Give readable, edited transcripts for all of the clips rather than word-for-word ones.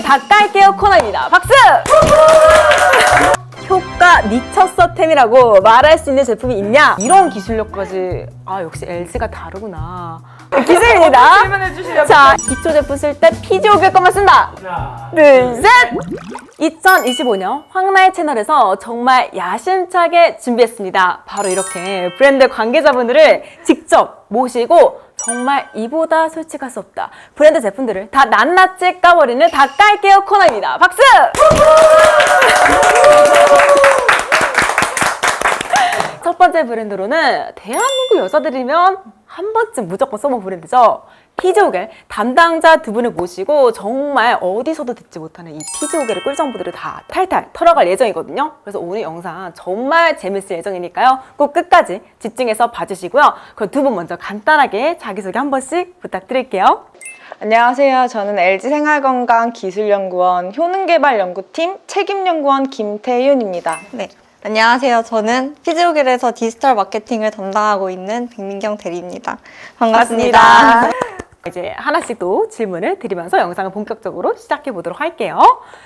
다 깔게요 코너입니다. 박수! 효과 미쳤어 템이라고 말할 수 있는 제품이 있냐? 이런 기술력까지 역시 LG가 다르구나. 기술입니다. 질문해주시면 자, 기초 제품 쓸 때 피지오겔 것만 쓴다. 하나, 둘, 셋! 2025년 황나의 채널에서 정말 야심차게 준비했습니다. 바로 이렇게 브랜드 관계자분들을 직접 모시고 정말 이보다 솔직할 수 없다. 브랜드 제품들을 다 낱낱이 까버리는 다 깔게요 코너입니다. 박수! 첫 번째 브랜드로는 대한민국 여자들이면 한 번쯤 무조건 써본 브랜드죠. 피지오겔 담당자 두 분을 모시고 정말 어디서도 듣지 못하는 이 피지오겔의 꿀정보들을 다 탈탈 털어갈 예정이거든요. 그래서 오늘 영상 정말 재밌을 예정이니까요. 꼭 끝까지 집중해서 봐주시고요. 그럼 두 분 먼저 간단하게 자기소개 한 번씩 부탁드릴게요. 안녕하세요. 저는 LG생활건강기술연구원 효능개발연구팀 책임연구원 김태윤입니다. 네. 안녕하세요. 저는 피지오겔에서 디지털 마케팅을 담당하고 있는 백민경 대리입니다. 반갑습니다. 이제 하나씩 또 질문을 드리면서 영상을 본격적으로 시작해 보도록 할게요.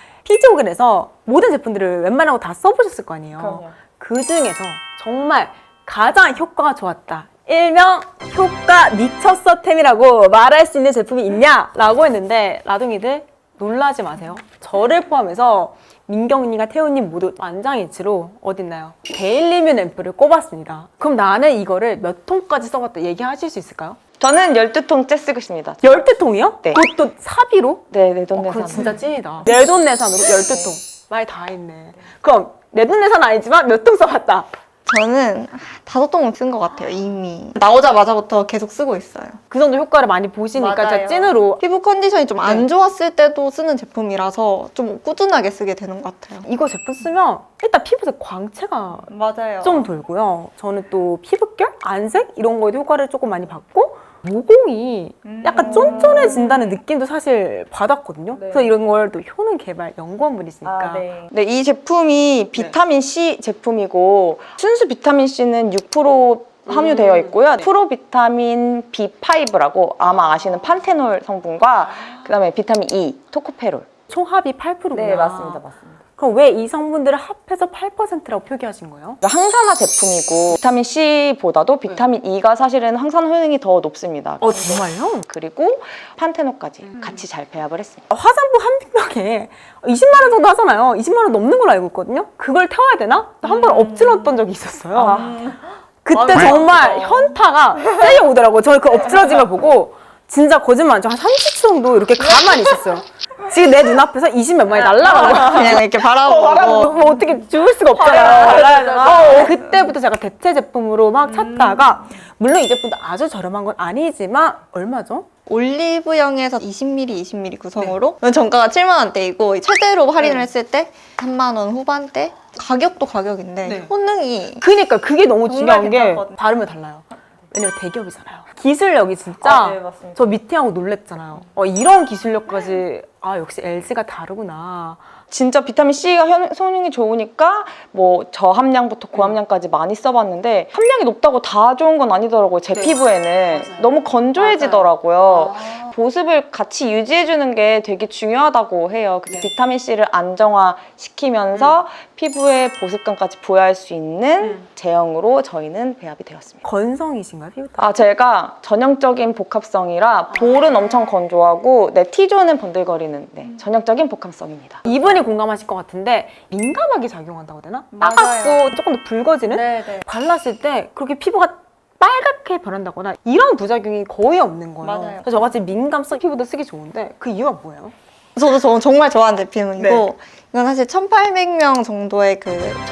피지오겔에서 모든 제품들을 웬만한 거 다 써보셨을 거 아니에요. 그럼요. 그 중에서 정말 가장 효과가 좋았다. 일명 효과 미쳤어 템이라고 말할 수 있는 제품이 있냐? 라고 했는데 라둥이들 놀라지 마세요. 저를 포함해서 민경님과 태훈님 모두 만장일치로 어딨나요? 데일리뮤 앰플을 꼽았습니다. 그럼 나는 이거를 몇 통까지 써봤다 얘기하실 수 있을까요? 저는 12통째 쓰고 있습니다. 12통이요? 네. 그것도 사비로? 네, 내돈내산. 그럼 진짜 찐이다. 내돈내산으로 12통. 말 다 했네. 그럼 내돈내산 아니지만 몇 통 써봤다? 저는 5통은 쓴 것 같아요, 이미. 나오자마자부터 계속 쓰고 있어요. 그 정도 효과를 많이 보시니까 맞아요. 진짜 찐으로. 피부 컨디션이 좀 안 좋았을 때도 쓰는 제품이라서 좀 꾸준하게 쓰게 되는 것 같아요. 이거 제품 쓰면 일단 피부색 광채가 맞아요. 좀 돌고요. 저는 또 피부결, 안색 이런 거에도 효과를 조금 많이 받고 모공이 약간 쫀쫀해진다는 느낌도 사실 받았거든요. 그래서 이런 걸 또 효능 개발 연구원분이시니까. 네, 이 제품이 비타민 C 제품이고 순수 비타민 C는 6% 함유되어 있고요. 프로비타민 B5라고 아마 아시는 판테놀 성분과 그다음에 비타민 E, 토코페롤. 총합이 8%구나. 네, 맞습니다. 그럼 왜 이 성분들을 합해서 8%라고 표기하신 거예요? 항산화 제품이고 비타민 C보다도 비타민 E가 사실은 항산화 효능이 더 높습니다. 정말요? 그리고 판테놀까지 같이 잘 배합을 했습니다. 화장품 한 병에 20만 원 정도 하잖아요. 20만 원 넘는 걸로 알고 있거든요. 그걸 태워야 되나? 한 번 엎질렀던 적이 있었어요. 그때 정말 현타가 세게 오더라고요. 저는 그 엎질러진 걸 보고 진짜 거짓말 안 치고 한 30초 정도 이렇게 가만히 있었어요. 지금 내 눈앞에서 20몇 만이 날아가고 그냥 이렇게 바라보고. 뭐 어떻게 죽을 수가 없잖아요. 그때부터 제가 대체 제품으로 막 찾다가 물론 이 제품도 아주 저렴한 건 아니지만 얼마죠? 올리브영에서 20ml, 20ml 구성으로 정가가 7만 원대이고 최대로 할인을 했을 때 3만 원 후반대? 가격도 가격인데 효능이 그니까 그게 너무 중요한 게 괜찮거든요. 다르면 달라요. 왜냐면 대기업이잖아요. 기술력이 진짜 네, 맞습니다. 저 미팅하고 놀랬잖아요. 이런 기술력까지 역시 LG가 다르구나. 진짜 비타민 C가 효능이 좋으니까 뭐 저함량부터 고함량까지 많이 써봤는데 함량이 높다고 다 좋은 건 아니더라고요. 제 피부에는 너무 건조해지더라고요. 보습을 같이 유지해주는 게 되게 중요하다고 해요. 그래서 비타민 C를 안정화시키면서 피부의 보습감까지 부여할 수 있는 제형으로 저희는 배합이 되었습니다. 건성이신가요, 피부? 제가 전형적인 복합성이라 볼은 엄청 건조하고 T존은 번들거리는 전형적인 복합성입니다. 이분이 공감하실 것 같은데 민감하게 작용한다고 해야 되나? 맞아요. 따갑고 조금 더 붉어지는? 네네. 발랐을 때 그렇게 피부가 빨갛게 변한다거나 이런 부작용이 거의 없는 거예요. 맞아요. 그래서 저같이 민감성 피부도 쓰기 좋은데 그 이유가 뭐예요? 저도 정말 좋아하는 제품이고 이건 사실 1,800명 정도의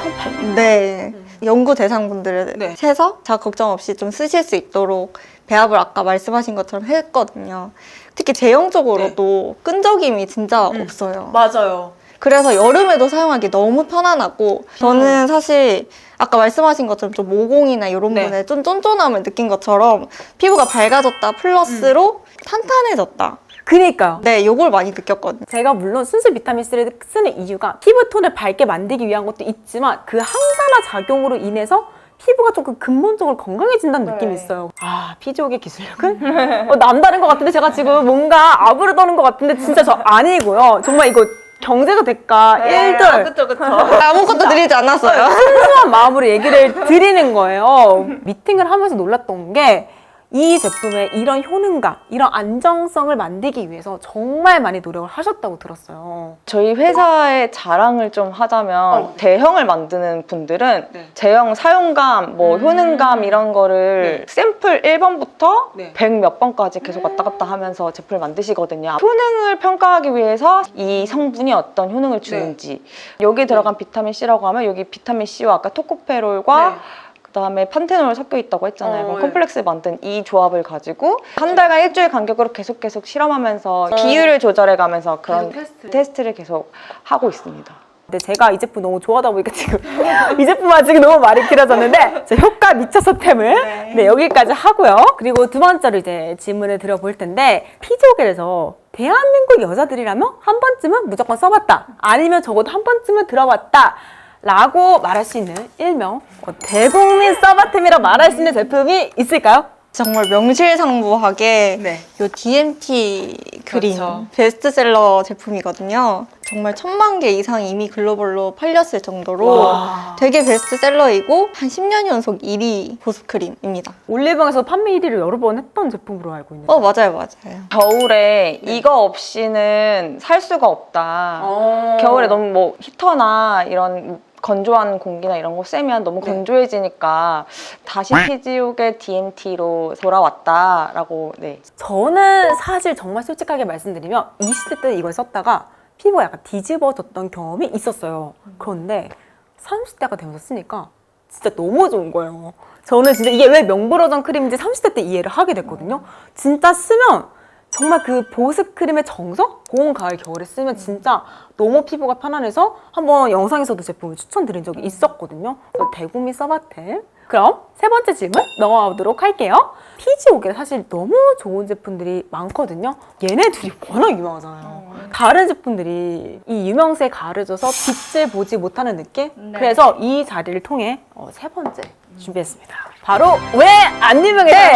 연구 대상분들을 해서 자가 걱정 없이 좀 쓰실 수 있도록 배합을 아까 말씀하신 것처럼 했거든요. 특히 제형적으로도 끈적임이 진짜 없어요. 맞아요. 그래서 여름에도 사용하기 너무 편안하고 저는 사실 아까 말씀하신 것처럼 좀 모공이나 이런 부분에 좀 쫀쫀함을 느낀 것처럼 피부가 밝아졌다 플러스로 탄탄해졌다. 그니까요. 네, 요걸 많이 느꼈거든요. 제가 물론 순수 비타민C를 쓰는 이유가 피부톤을 밝게 만들기 위한 것도 있지만 그 항산화 작용으로 인해서 피부가 조금 근본적으로 건강해진다는 네. 느낌이 있어요. 아, 피지옥의 기술력은 남다른 것 같은데 제가 지금 뭔가 아부를 떠는 것 같은데 진짜 저 아니고요. 정말 이거 경제도 대가 1들 그쵸, 그쵸. 아무것도 드리지 않았어요. 순수한 마음으로 얘기를 드리는 거예요. 미팅을 하면서 놀랐던 게 이 제품의 이런 효능감, 이런 안정성을 만들기 위해서 정말 많이 노력을 하셨다고 들었어요. 저희 회사의 자랑을 좀 하자면 대형을 만드는 분들은 제형 사용감, 뭐 효능감 이런 거를 샘플 1번부터 100 몇 번까지 계속 왔다 갔다 하면서 제품을 만드시거든요. 효능을 평가하기 위해서 이 성분이 어떤 효능을 주는지 여기 들어간 비타민 C라고 하면 여기 비타민 C와 아까 토코페롤과 그다음에 판테놀 섞여 있다고 했잖아요. 그럼 콤플렉스 만든 이 조합을 가지고 한 달간 일주일 간격으로 계속 실험하면서 비율을 조절해가면서 그런 테스트를 계속 하고 있습니다. 근데 제가 이 제품 너무 좋아하다 보니까 지금 이 제품만 지금 너무 말이 길어졌는데 제 효과 미쳐서 템을 여기까지 하고요. 그리고 두 번째로 이제 질문을 드려볼 텐데 피지오겔에서 대한민국 여자들이라면 한 번쯤은 무조건 써봤다. 아니면 적어도 한 번쯤은 들어봤다. 라고 말할 수 있는 일명 대국민 서바템이라고 말할 수 있는 제품이 있을까요? 정말 명실상부하게 요 DMT 크림 베스트셀러 제품이거든요. 정말 1000만 개 이상 이미 글로벌로 팔렸을 정도로 되게 베스트셀러이고 한 10년 연속 1위 보습 크림입니다. 올리브영에서 판매 1위를 여러 번 했던 제품으로 알고 있는데 맞아요. 겨울에 이거 없이는 살 수가 없다. 겨울에 너무 뭐 히터나 이런 건조한 공기나 이런 거 쐬면 너무 건조해지니까 다시 피지옥의 DMT로 돌아왔다라고. 저는 사실 정말 솔직하게 말씀드리면 20대 때 이걸 썼다가 피부가 약간 뒤집어졌던 경험이 있었어요. 그런데 30대가 되면서 쓰니까 진짜 너무 좋은 거예요. 저는 진짜 이게 왜 명불허전 크림인지 30대 때 이해를 하게 됐거든요. 진짜 쓰면 정말 그 보습 크림의 정석? 봄, 가을, 겨울에 쓰면 진짜 너무 피부가 편안해서 한번 영상에서도 제품을 추천드린 적이 있었거든요. 그래서 대국민 서바템. 그럼 세 번째 질문 넘어가도록 할게요. 피지옥에 사실 너무 좋은 제품들이 많거든요. 얘네 둘이 워낙 유명하잖아요. 다른 제품들이 이 유명세에 가려져서 빛을 보지 못하는 느낌? 그래서 이 자리를 통해 세 번째 준비했습니다. 바로 왜 안 유명해?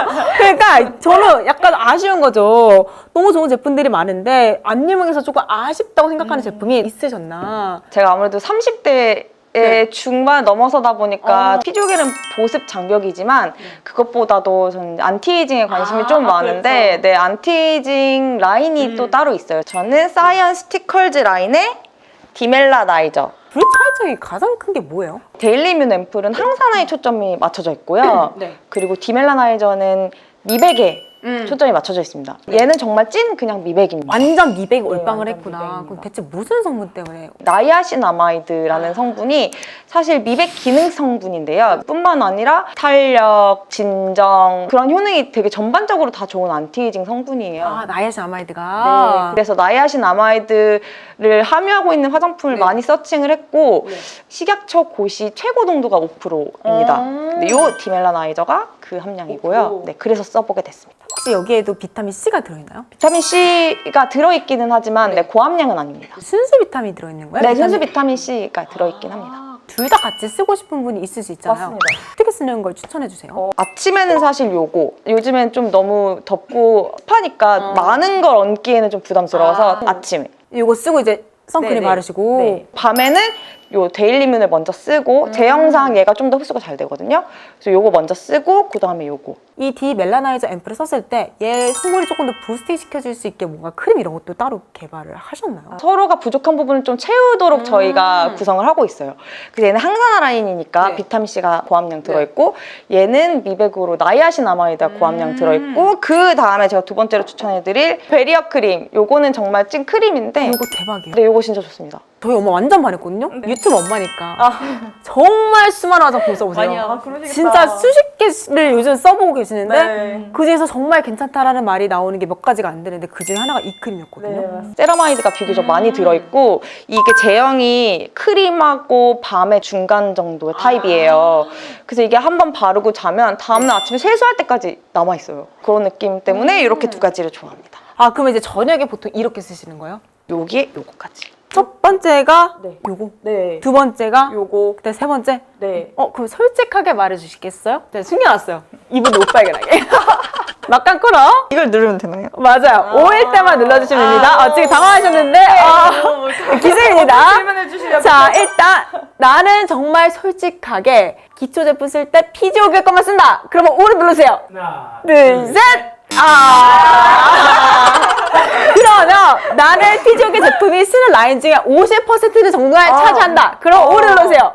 그러니까 저는 약간 아쉬운 거죠. 너무 좋은 제품들이 많은데 안 유명해서 조금 아쉽다고 생각하는 제품이 있으셨나? 제가 아무래도 30대 중반 넘어서다 보니까 피지오겔은 보습 장벽이지만 그것보다도 저는 안티에이징에 관심이 좀 많은데 안티에이징 라인이 또 따로 있어요. 저는 사이언스 스티컬즈 라인의 디멜라나이저. 둘의 차이점이 가장 큰 게 뭐예요? 데일리뮨 앰플은 항산화에 초점이 맞춰져 있고요. 그리고 디멜라나이저는 미백에 초점이 맞춰져 있습니다. 얘는 정말 찐 그냥 미백입니다. 완전 미백이 올빵을 완전 했구나. 미백입니다. 그럼 대체 무슨 성분 때문에? 나이아신아마이드라는 성분이 사실 미백 기능 성분인데요. 뿐만 아니라 탄력, 진정 그런 효능이 되게 전반적으로 다 좋은 안티에이징 성분이에요. 나이아신아마이드가. 그래서 나이아신아마이드를 함유하고 있는 화장품을 많이 서칭을 했고 식약처 고시 최고 농도가 5%입니다. 이 디멜라나이저가 그 함량이고요. 그래서 써보게 됐습니다. 혹시 여기에도 비타민 C가 들어있나요? 비타민 C가 들어있기는 하지만 고함량은 아닙니다. 순수 비타민 들어있는 거예요? 순수 비타민 C가 들어있긴 합니다. 둘 다 같이 쓰고 싶은 분이 있을 수 있잖아요. 맞습니다. 어떻게 쓰는 걸 추천해주세요? 아침에는 사실 요거 요즘엔 좀 너무 덥고 습하니까 많은 걸 얹기에는 좀 부담스러워서 아침에 이거 쓰고 이제 선크림 바르시고 밤에는 요 데일리뮨을 먼저 쓰고 제 영상 얘가 좀 더 흡수가 잘 되거든요. 그래서 요거 먼저 쓰고 그 다음에 요거. 이 디멜라나이저 앰플을 썼을 때 얘 속물이 조금 더 부스팅 시켜줄 수 있게 뭔가 크림 이런 것도 따로 개발을 하셨나요? 서로가 부족한 부분을 좀 채우도록 저희가 구성을 하고 있어요. 그래서 얘는 항산화 라인이니까 비타민 C가 고함량 들어있고 얘는 미백으로 나이아신아마이드가 고함량 들어있고 그 다음에 제가 두 번째로 추천해드릴 베리어 크림. 요거는 정말 찐 크림인데 이거 대박이에요. 네, 요거 진짜 좋습니다. 저희 엄마 완전 반했거든요. 유튜브 엄마니까 정말 수많은 화장품 써보세요. 진짜 수십 개를 요즘 써보고 계시는데 그 중에서 정말 괜찮다라는 말이 나오는 게 몇 가지가 안 되는데 그 중에 하나가 이 크림이었거든요. 세라마이드가 비교적 많이 들어있고 이게 제형이 크림하고 밤의 중간 정도의 타입이에요. 그래서 이게 한번 바르고 자면 다음날 아침에 세수할 때까지 남아있어요. 그런 느낌 때문에 이렇게 두 가지를 좋아합니다. 그러면 이제 저녁에 보통 이렇게 쓰시는 거예요? 여기에 요거까지. 첫 번째가 네. 요거. 네. 두 번째가 요거. 그다음 세 번째. 네. 그럼 솔직하게 말해주시겠어요? 제가 숨겨놨어요. 이분 못 발견하게. 막간 끌어. 이걸 누르면 되나요? 맞아요. 5일 때만 눌러주시면 됩니다. 지금 당황하셨는데 기술입니다. 질문해주시면. 자, 일단 나는 정말 솔직하게 기초 제품 쓸 때 피지오겔 것만 쓴다. 그러면 5를 누르세요. 하나, 둘, 셋. 그러면 나는 피지오겔 제품이 쓰는 라인 중에 50%를 정말 차지한다. 그럼 5를 누르세요.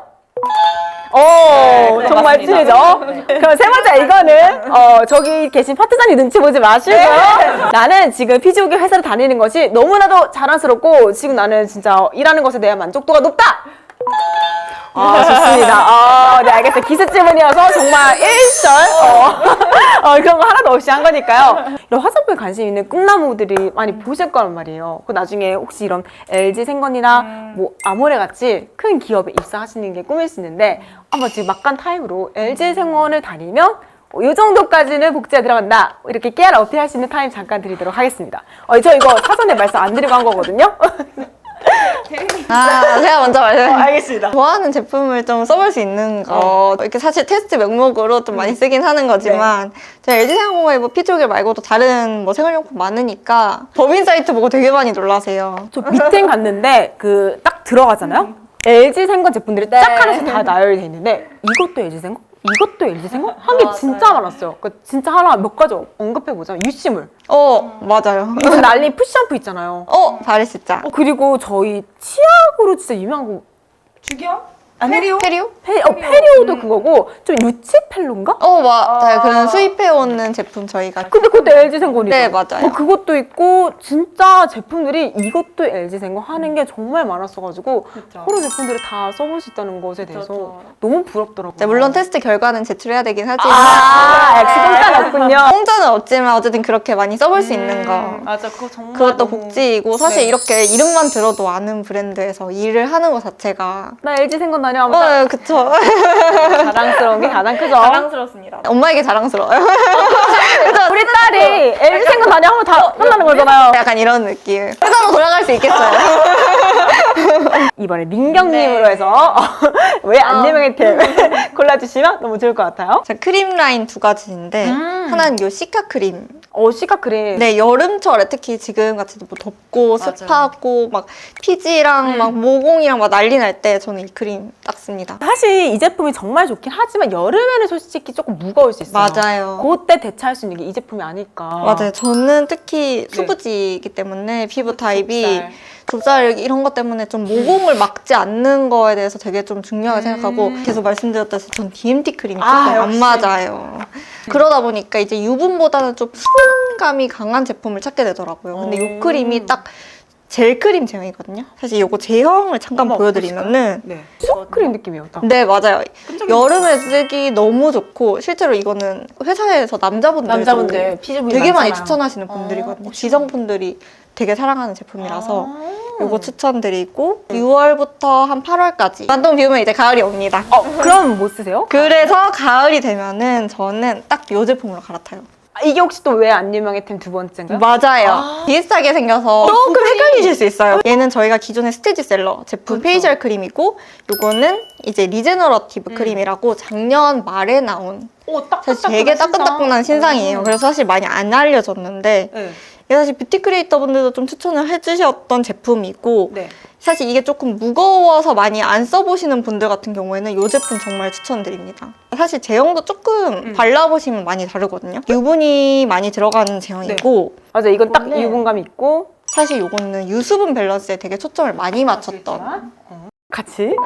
오, 정말 맞습니다. 찐이죠? 그럼 세 번째, 이거는, 저기 계신 파트장님 눈치 보지 마시고요. 나는 지금 피지오겔 회사를 다니는 것이 너무나도 자랑스럽고, 지금 나는 진짜 일하는 것에 대한 만족도가 높다! 좋습니다. 네, 알겠어요. 기습 질문이어서 정말 1절, 그런 거 하나도 없이 한 거니까요. 이런 화장품에 관심 있는 꿈나무들이 많이 보실 거란 말이에요. 그 나중에 혹시 이런 LG생건이나 뭐 아모레 같이 큰 기업에 입사하시는 게 꿈일 수 있는데, 한번 지금 막간 타임으로 LG생원을 다니면 이 정도까지는 복지가 들어간다. 이렇게 깨알 어필할 수 있는 타임 잠깐 드리도록 하겠습니다. 저 이거 사전에 말씀 안 드리고 한 거거든요. 제가 먼저 말씀드릴게요. 알겠습니다. 좋아하는 제품을 좀 써볼 수 있는 거 이렇게 사실 테스트 명목으로 좀 많이 쓰긴 하는 거지만 제가 LG생활공고에 뭐 피지오겔 말고도 다른 뭐 생활용품 많으니까 법인 사이트 보고 되게 많이 놀라세요. 저 밑에 갔는데 그 딱 들어가잖아요. LG생건 제품들이 쫙 하나씩 다 나열이 돼 있는데 이것도 LG생건? 이것도 LG생건? 한 게 진짜 많았어요. 그 진짜 하나 몇 가지 언급해보자면 유시물. 맞아요. 요즘 난리 푸시샴푸 있잖아요. 바리시짜. 그리고 저희 치약으로 진짜 유명한 거 주경? 페리오? 페리오도 그거고 좀 루치펠로인가? 맞아요. 그런 수입해오는 제품 저희가. 근데 그것도 LG생건이죠. 네, 맞아요. 그것도 있고 진짜 제품들이 이것도 LG생건 하는 게 정말 많았어가지고 서로 제품들을 다 써볼 수 있다는 것에 대해서 너무 부럽더라고요. 네, 물론 테스트 결과는 제출해야 되긴 하지만 역시 공짜는 없군요. 공짜는 없지만 어쨌든 그렇게 많이 써볼 수 있는 거. 맞아, 그거 정말. 그것도 복지이고 사실 네. 이렇게 이름만 들어도 아는 브랜드에서 일을 하는 것 자체가 나 LG생건 다녀오면 그쵸. 자랑스러운 게 가장 크죠. 자랑스럽습니다. 엄마에게 자랑스러워요. 우리 딸이 LG생건 다녀오면 다 혼나는 거잖아요. 약간 이런 느낌. 회사로 돌아갈 수 있겠어요. 이번에 민경님으로 해서 왜 안 유명했템 골라주시면 너무 좋을 것 같아요. 자, 크림 라인 두 가지인데 하나는 요 시카 크림. 시카 크림. 네, 여름철에 특히 지금 같이 뭐 덥고 습하고 막 피지랑 막 모공이랑 막 난리 날 때 저는 이 크림 딱 씁니다. 사실 이 제품이 정말 좋긴 하지만 여름에는 솔직히 조금 무거울 수 있어요. 맞아요. 그때 대체할 수 있는 게 이 제품이 아닐까. 맞아요. 저는 특히 수부지이기 때문에 피부 타입이 좁쌀 이런 것 때문에 좀 모공을 막지 않는 거에 대해서 되게 좀 중요하게 생각하고 계속 말씀드렸다시피 전 DMT 크림이 조금 안 맞아요. 그러다 보니까 이제 유분보다는 좀 수분감이 강한 제품을 찾게 되더라고요. 근데 이 크림이 딱 젤 크림 제형이거든요. 사실 이거 제형을 잠깐 보여드리면은 수분 크림 느낌이었다. 네, 맞아요. 여름에 쓰기 너무 좋고 실제로 이거는 회사에서 남자분들 피부 되게 많이 추천하시는 분들이거든요. 지성분들이 되게 사랑하는 제품이라서 이거 추천드리고 6월부터 한 8월까지 반동 비우면 이제 가을이 옵니다. 그럼 뭐 쓰세요? 그래서 가을이 되면은 저는 딱 이 제품으로 갈아타요. 이게 혹시 또 왜 안 유명했템 두 번째인가요? 맞아요. 비슷하게 생겨서 조금 헷갈리실 수 있어요. 얘는 저희가 기존의 스테디셀러 제품 페이셜 크림이고 이거는 이제 리제너러티브 크림이라고 작년 말에 나온 사실 되게 따끈따끈한 신상이에요. 그래서 사실 많이 안 알려졌는데 이게 사실 뷰티 크리에이터 분들도 좀 추천을 해주셨던 제품이고 사실 이게 조금 무거워서 많이 안 써보시는 분들 같은 경우에는 이 제품 정말 추천드립니다. 사실 제형도 조금 발라보시면 많이 다르거든요. 유분이 많이 들어가는 제형이고 맞아, 이건 딱 원래- 유분감 있고 사실 이거는 유수분 밸런스에 되게 초점을 많이 맞췄던 같이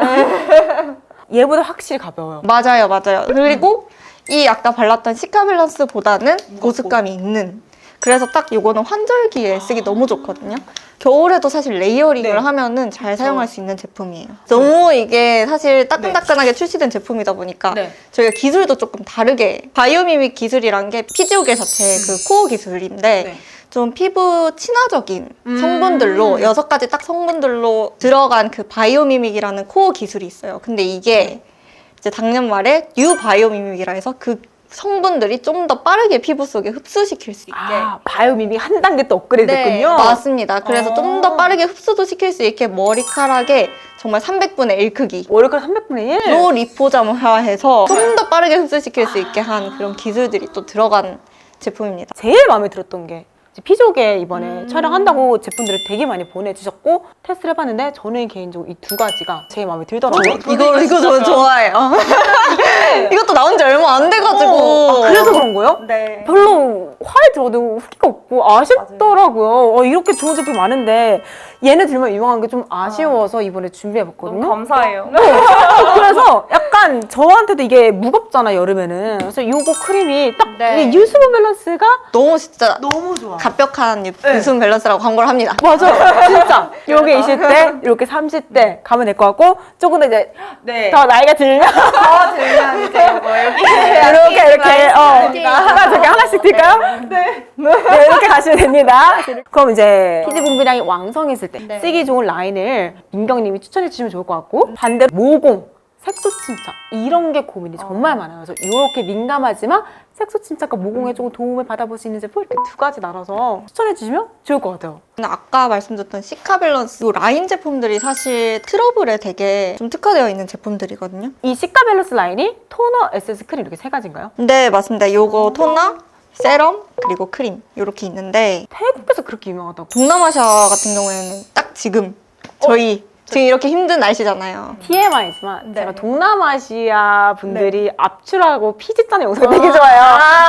얘보다 확실히 가벼워요. 맞아요. 그리고 이 아까 발랐던 시카 밸런스보다는 보습감이 있는 그래서 딱 이거는 환절기에 쓰기 너무 좋거든요. 겨울에도 사실 레이어링을 하면은 잘 사용할 수 있는 제품이에요. 너무 이게 사실 따끈따끈하게 출시된 제품이다 보니까 저희가 기술도 조금 다르게 바이오미믹 기술이란 게 피지오겔 자체 그 코어 기술인데 좀 피부 친화적인 성분들로 6가지 딱 성분들로 들어간 그 바이오미믹이라는 코어 기술이 있어요. 근데 이게 이제 작년 말에 뉴 바이오미믹이라 해서 그 성분들이 좀 더 빠르게 피부 속에 흡수시킬 수 있게. 아, 바이오미믹 한 단계 또 업그레이드 네, 됐군요. 맞습니다. 그래서 좀 더 빠르게 흡수도 시킬 수 있게 머리카락에 정말 300분의 1 크기. 월요일 300분의 1? 로 리포자마해서 좀 더 빠르게 흡수시킬 수 있게 한 그런 기술들이 또 들어간 제품입니다. 제일 마음에 들었던 게 피조개 이번에 촬영한다고 제품들을 되게 많이 보내주셨고 테스트를 해봤는데 저는 개인적으로 이 두 가지가 제일 마음에 들더라고요. 이거 저는 좋아해요. 이것도 나온 지 얼마 안 돼가지고. 그래서 그런 거예요? 네. 별로 화에 들어도 후기가 없고 아쉽더라고요. 이렇게 좋은 제품 많은데 얘네 들면 유명한 게 좀 아쉬워서 이번에 준비해봤거든요. 감사해요. 그래서 약간 저한테도 이게 무겁잖아 여름에는. 그래서 요거 크림이 딱 네. 이게 유수분 밸런스가 너무 진짜 너무 좋아. 갑벽한 유수분 밸런스라고 광고를 합니다. 맞아, 진짜. 요게 20대, 이렇게 30대 가면 될 것 같고, 조금 더 이제 네. 더 나이가 들면 들면 이제 뭐 여기 이렇게 저렇게 하나씩 들까요? 네. 이렇게 가시면 됩니다. 그럼 이제 피지 분비량이 왕성했을 때 네. 쓰기 좋은 라인을 민경님이 추천해 주시면 좋을 것 같고, 반대로 모공, 색소 침착 이런 게 고민이 정말 많아요. 그래서 이렇게 민감하지만 색소 침착과 모공에 조금 도움을 받아볼 수 있는 제품 이렇게 두 가지 나눠서 추천해 주시면 좋을 것 같아요. 근데 아까 말씀드렸던 시카 밸런스 이 라인 제품들이 사실 트러블에 되게 좀 특화되어 있는 제품들이거든요. 이 시카 밸런스 라인이 토너, 에센스, 크림 이렇게 세 가지인가요? 네, 맞습니다. 요거 토너, 세럼, 그리고 크림 이렇게 있는데 태국에서 그렇게 유명하다고. 동남아시아 같은 경우에는 딱 지금 저희 지금 이렇게 힘든 날씨잖아요. TMI지만 네. 제가 동남아시아 분들이 압출하고 피지 짜는 영상을 되게 좋아해요.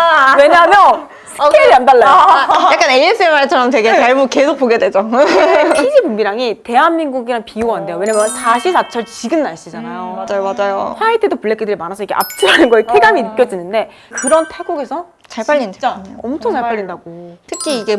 왜냐하면 스케일이 안 달라요. 약간 ASMR처럼 되게 계속 보게 되죠. 피지 분비량이 대한민국이랑 비교가 안 돼요. 왜냐면 사시사철 지금 날씨잖아요. 맞아요. 화이트도 블랙들이 많아서 이게 압출하는 거에 쾌감이 느껴지는데 그런 태국에서 잘 빨리는 제품이에요. 엄청 잘 빨린다고. 특히 이게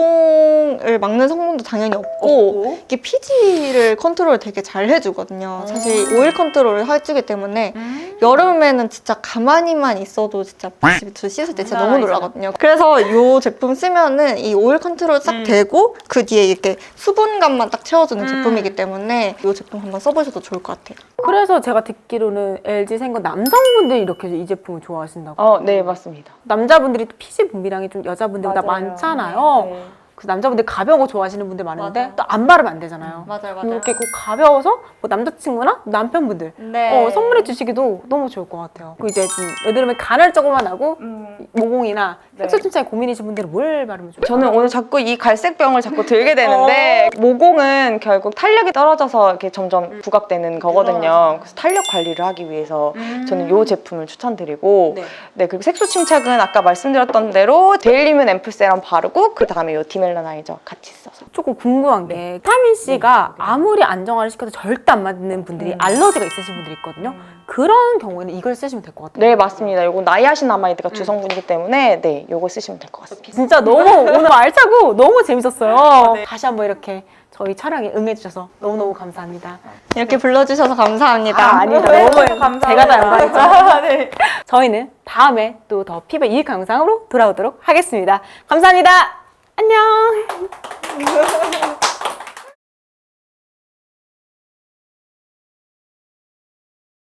모공을 막는 성분도 당연히 없고 이게 피지를 컨트롤 되게 잘 해주거든요. 사실 오일 컨트롤을 해주기 때문에 여름에는 진짜 가만히만 있어도 진짜 집에서 씻을 때 진짜 너무 놀라거든요. 그래서 이 제품 쓰면은 이 오일 컨트롤 싹 되고 그 뒤에 이렇게 수분감만 딱 채워주는 제품이기 때문에 이 제품 한번 써보셔도 좋을 것 같아요. 그래서 제가 듣기로는 LG 생건 남성분들이 이렇게 이 제품을 좋아하신다고. 네, 맞습니다. 남자분들이 또 피지 분비량이 좀 여자분들보다 맞아요. 많잖아요. 네. 그래서 남자분들 가벼운 거 좋아하시는 분들 많은데 맞아요. 또 안 바르면 안 되잖아요. 맞아요. 이렇게 꼭 가벼워서 뭐 남자친구나 남편분들 네. 선물해 주시기도 너무 좋을 것 같아요. 그리고 이제 좀 여드름에 간헐적으로만 하고 모공이나 네. 색소 침착에 고민이신 분들은 뭘 바르면 좋을까요? 저는 오늘 자꾸 이 갈색병을 자꾸 들게 되는데 모공은 결국 탄력이 떨어져서 이렇게 점점 부각되는 거거든요. 그래서 탄력 관리를 하기 위해서 저는 이 제품을 추천드리고 네, 그리고 색소 침착은 아까 말씀드렸던 대로 데일리뮨 앰플 세럼 바르고 그 다음에 이 디멜라나이저 같이 써서 조금 궁금한 게 비타민 C가 아무리 안정화를 시켜도 절대 안 맞는 분들이 알러지가 있으신 분들이 있거든요. 그런 경우에는 이걸 쓰시면 될 것 같아요. 네, 맞습니다. 이건 나이아신아마이드가 주성분이기 때문에 네, 요거 쓰시면 될 것 같습니다. 진짜 너무 오늘 알차고 너무 재밌었어요. 다시 한번 이렇게 저희 촬영에 응해주셔서 너무너무 감사합니다. 이렇게 불러주셔서 감사합니다. 아니다. 너무 제가 다 영광이죠. 저희는 다음에 또 더 피부 유익한 영상으로 돌아오도록 하겠습니다. 감사합니다. 안녕.